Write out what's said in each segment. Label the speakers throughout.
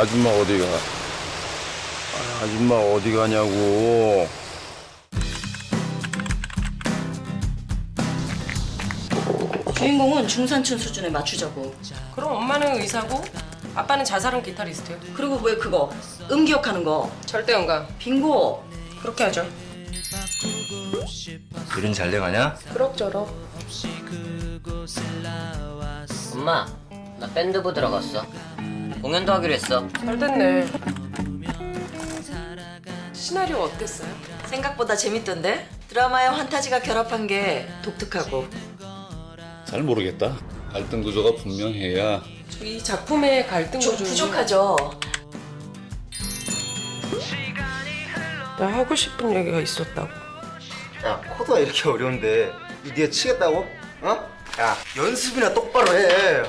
Speaker 1: 아줌마 어디 가? 아줌마 어디 가냐고.
Speaker 2: 주인공은 중산층 수준에 맞추자고.
Speaker 3: 그럼 엄마는 의사고 아빠는 자살한 기타리스트요.
Speaker 2: 그리고 왜 그거 음기억하는 거
Speaker 3: 절대 응가.
Speaker 2: 빙고.
Speaker 3: 그렇게 하죠.
Speaker 4: 일은 잘 돼가냐?
Speaker 3: 그럭저럭.
Speaker 5: 엄마, 나 밴드부 들어갔어. 공연도 하기로 했어.
Speaker 3: 잘 됐네. 시나리오 어땠어요?
Speaker 2: 생각보다 재밌던데? 드라마에 환타지가 결합한 게 독특하고.
Speaker 1: 잘 모르겠다. 갈등 구조가 분명해야.
Speaker 3: 이 작품의 갈등
Speaker 2: 좀
Speaker 3: 구조는
Speaker 2: 부족하죠.
Speaker 3: 나 하고 싶은 얘기가 있었다고.
Speaker 6: 야, 코드가 이렇게 어려운데 이 네가 치겠다고? 어? 야, 연습이나 똑바로 해.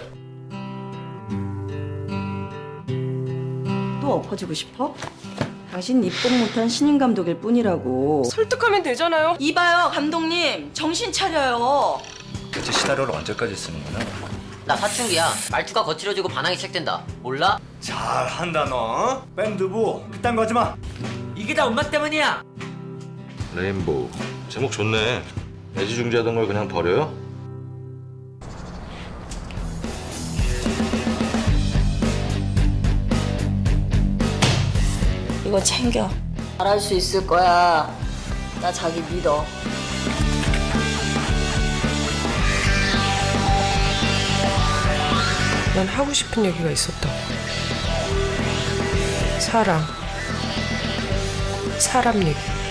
Speaker 2: 또 엎어지고 싶어? 당신 입복 못한 신인 감독일 뿐이라고.
Speaker 3: 설득하면 되잖아요.
Speaker 2: 이봐요 감독님, 정신 차려요.
Speaker 4: 대체 시나리오를 언제까지 쓰는 거냐?
Speaker 5: 나 사춘기야. 말투가 거칠어지고 반항이 시작된다. 몰라?
Speaker 7: 잘한다 너. 밴드부 그딴 거 하지 마.
Speaker 5: 이게 다 엄마 때문이야.
Speaker 4: 레인보우 제목 좋네. 애지중지하던 걸 그냥 버려요?
Speaker 2: 이거 챙겨. 잘할 수 있을 거야. 나 자기 믿어.
Speaker 3: 난 하고 싶은 얘기가 있었다고. 사랑. 사람 얘기.